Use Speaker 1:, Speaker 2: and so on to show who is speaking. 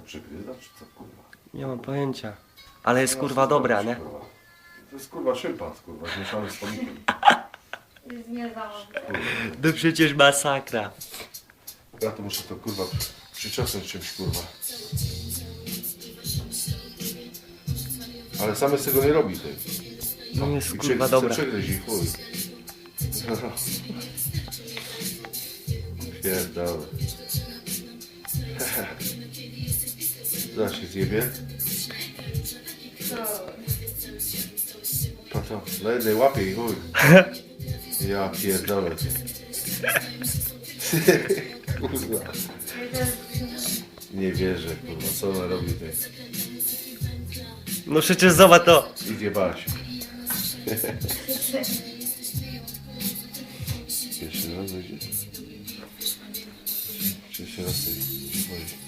Speaker 1: przegryza, czy co kurwa?
Speaker 2: Nie mam pojęcia. Ale jest
Speaker 1: No,
Speaker 2: kurwa
Speaker 1: co
Speaker 2: dobra,
Speaker 1: robisz,
Speaker 2: nie?
Speaker 1: kurwa? To jest kurwa szympans, kurwa, zmieszany z komikiem.
Speaker 3: Jest niezawodny.
Speaker 2: To przecież masakra.
Speaker 1: Ja to muszę to kurwa przyczesnąć czymś kurwa. Ale same z tego nie robi tej.
Speaker 2: No jest
Speaker 1: I
Speaker 2: kurwa dobra.
Speaker 1: przegryź i chuj. Pierdolę. Zaraz się zjebie. To, na jednej łapie i chuj. Ja pierdolę. Kurwa. Nie wierzę, kurwa, co ona robi tutaj.
Speaker 2: No przecież zobacz to.
Speaker 1: I zjebała się. Pierwszy raz będzie? Pierwszy raz tej.